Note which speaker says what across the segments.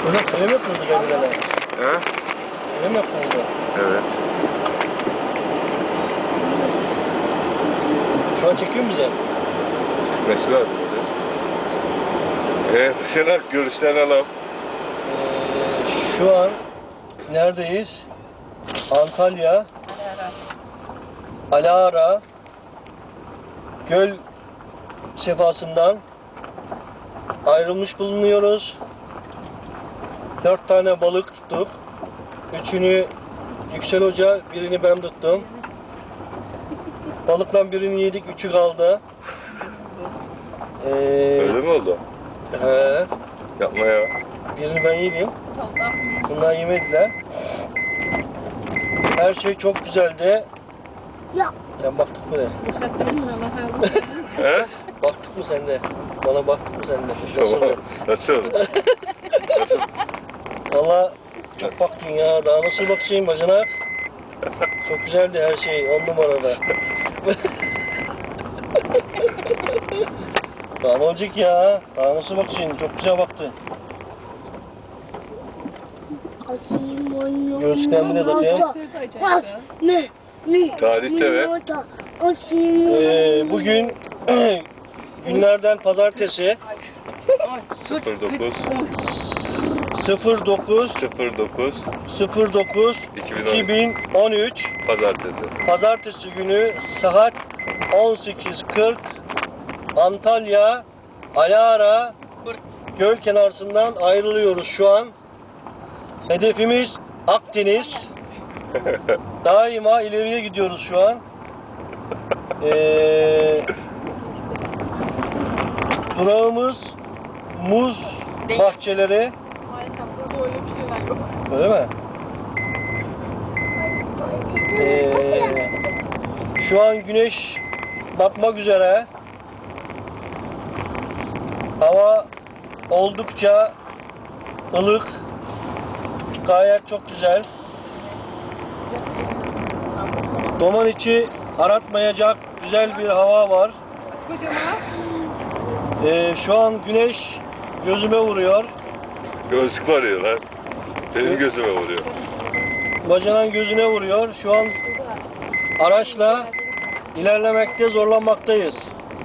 Speaker 1: Hocam öyle mi yapıldı kendilerine?
Speaker 2: He?
Speaker 1: Öyle mi yapıldı?
Speaker 2: Evet.
Speaker 1: Şu an çekiyor mu bize?
Speaker 2: Çıkması lazım. Şener görüşlerini alalım.
Speaker 1: Şu an neredeyiz? Antalya, Alara, göl sefasından ayrılmış bulunuyoruz. 4 tane balık tuttuk. 3'ünü Yüksel Hoca, birini ben tuttum. Balıktan birini yedik, 3'ü kaldı.
Speaker 2: Öyle mi oldu?
Speaker 1: He,
Speaker 2: Yapma ya.
Speaker 1: birini ben yedim. Bunlar yemediler. Her şey çok güzeldi.
Speaker 3: Ya.
Speaker 1: Sen baktık mı ne?
Speaker 2: He?
Speaker 1: Baktık mı sen de? Bana baktık mı sen de?
Speaker 2: Tamam. Nasıl? Nasıl?
Speaker 1: Valla çok baktın ya. Daha nasıl bakacağım bacanak? Çok güzeldi her şey. 10 numarada. Daha ne olacak ya? Daha nasıl bakacaksın? Çok güzel baktın. Gözlüklerimi de takayım.
Speaker 2: Tarihte ve
Speaker 1: Bugün günlerden pazartesi
Speaker 2: 09
Speaker 1: 09
Speaker 2: 09
Speaker 1: 2013
Speaker 2: Pazartesi.
Speaker 1: Pazartesi günü saat 18.40 Antalya Alara göl kenarından ayrılıyoruz şu an. Hedefimiz Akdeniz. Daima ileriye gidiyoruz şu an. Durağımız muz bahçeleri.
Speaker 4: Maalesef burada öyle bir şeyler yok.
Speaker 1: Öyle mi? Şu an güneş batmak üzere. Hava oldukça ılık. Gayet çok güzel. Duman içi aratmayacak güzel bir hava var. Şu an güneş gözüme vuruyor.
Speaker 2: Gözlük var ya lan. Benim gözüme vuruyor.
Speaker 1: Bacanan gözüne vuruyor. Şu an araçla ilerlemekte zorlanmaktayız.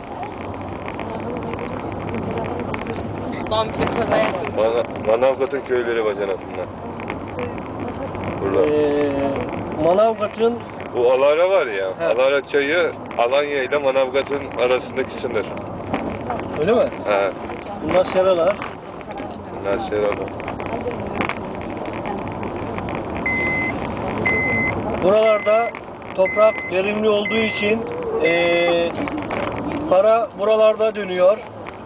Speaker 4: Lan bir kaza yapıyor.
Speaker 2: Manavgat'ın köyleri bacanasında. Burada.
Speaker 1: Manavgat'ın
Speaker 2: Bu Alara var ya.
Speaker 1: He.
Speaker 2: Alara çayı Alanya ile Manavgat'ın arasındaki sınır.
Speaker 1: öyle mi?
Speaker 2: He.
Speaker 1: Bunlar seralar.
Speaker 2: Bunlar şey oldu.
Speaker 1: Buralarda toprak verimli olduğu için para buralarda dönüyor.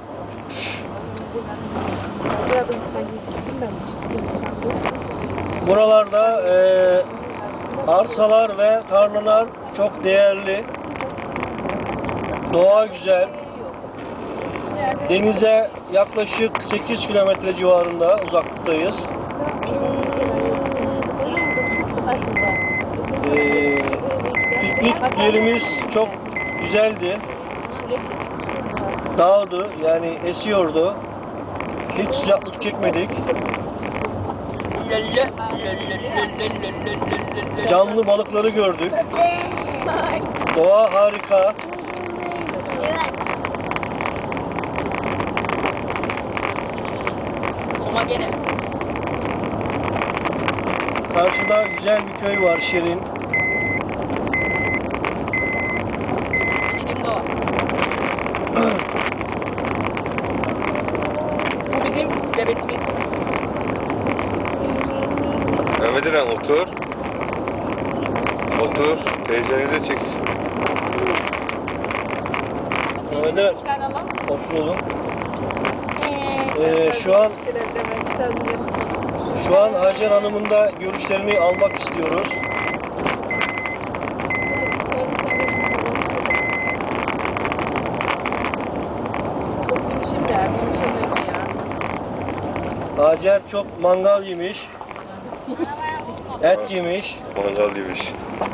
Speaker 1: Buralarda arsalar ve tarlalar çok değerli. Doğa güzel. Denize yaklaşık 8 kilometre civarında uzaklıktayız. Piknik yerimiz çok güzeldi. Dağdı, yani esiyordu. Hiç sıcaklık çekmedik. Canlı balıkları gördük. Doğa harika.
Speaker 4: Ama gene.
Speaker 1: Karşıda güzel bir köy var, Şirin.
Speaker 4: Şirin doğa. Bu bizim bebekimiz.
Speaker 2: Mehmet İnan otur. Otur. Teyzeni de çeksin.
Speaker 1: Mehmet Ali,
Speaker 4: Çıkar alalım.
Speaker 1: otur oğlum. Şu an Hacer Hanım'ın da görüşlerini almak istiyoruz.
Speaker 4: Çok demişim de konuşamıyorum ya.
Speaker 1: Hacer çok mangal yemiş. Et yemiş.
Speaker 2: Mangal yemiş.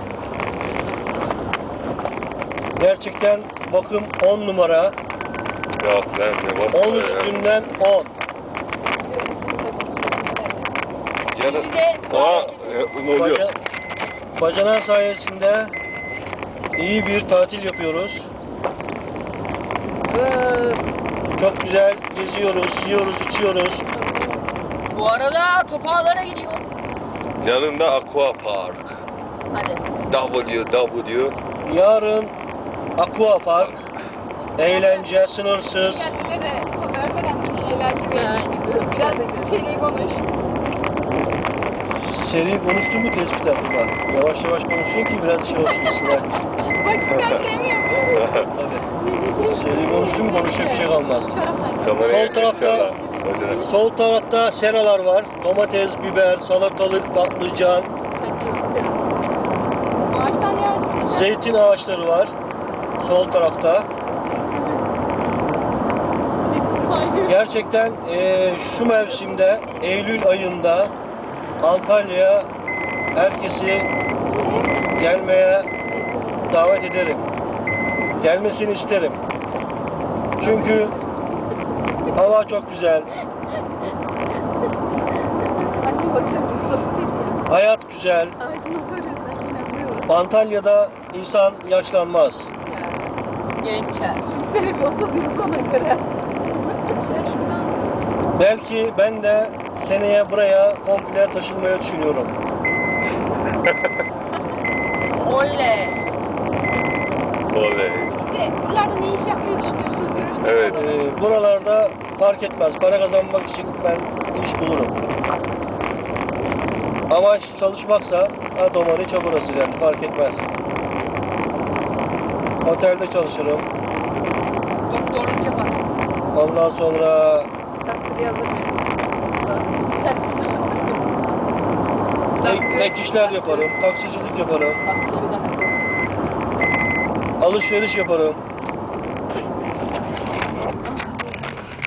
Speaker 1: Gerçekten bakım 10 numara.
Speaker 2: Ya lan ne var?
Speaker 1: 10 üstünden 10.
Speaker 2: Yanı...
Speaker 4: Bizi de
Speaker 2: Aa,
Speaker 4: davet
Speaker 2: ne oluyor?
Speaker 1: Bacanak sayesinde iyi bir tatil yapıyoruz. Çok güzel geziyoruz, yiyoruz, içiyoruz.
Speaker 4: Bu arada Topağalara gidiyor.
Speaker 2: Yanında Aqua Park.
Speaker 4: Hadi.
Speaker 2: WW.
Speaker 1: Yarın Aqua Park, eğlence sınırsız.
Speaker 3: Kendilere vermeden bir şeyler gibi.
Speaker 4: Yani
Speaker 3: Biraz seri konuş.
Speaker 1: Seri konuştun mu tespit aklıma. Yavaş yavaş konuşun ki biraz şey olsun size.
Speaker 3: Vakitten şey mi yapıyor?
Speaker 1: Tabii. Seri konuştun mu konuşacak bir şey kalmaz.
Speaker 2: Kameraya
Speaker 1: Sol tarafta-
Speaker 2: Esra, bacanak.
Speaker 1: Sol tarafta seralar var. Domates, biber, salatalık, patlıcan,
Speaker 3: Ağaçtan yavaş.
Speaker 1: zeytin ağaçları var. Sol tarafta. Gerçekten şu mevsimde Eylül ayında Antalya'ya herkesi gelmeye davet ederim. Gelmesini isterim. Çünkü hava çok güzel,
Speaker 3: Annem bakacak mısın?
Speaker 1: hayat güzel.
Speaker 3: Ağacına soruyorsan inanmıyorum.
Speaker 1: Antalya'da insan yaşlanmaz.
Speaker 4: Gençler.
Speaker 3: Sene bir 30 yıl sonra göre.
Speaker 1: Belki ben de seneye buraya komple taşınmayı düşünüyorum.
Speaker 4: Oley.
Speaker 2: Oley.
Speaker 3: İşte buralarda ne iş yapmayı düşünüyorsun? Görüşmek
Speaker 2: Evet.
Speaker 3: üzere.
Speaker 1: Buralarda fark etmez. Para kazanmak için ben iş bulurum. Amaç çalışmaksa Adomar hiç burası yani fark etmez. Otelde çalışırım.
Speaker 4: Doktorluk yapar.
Speaker 1: Ondan sonra
Speaker 3: Takdir yazamıyorum.
Speaker 1: ek işler yaparım. Taksicilik yaparım.
Speaker 4: Doktoru da.
Speaker 1: Alışveriş yaparım.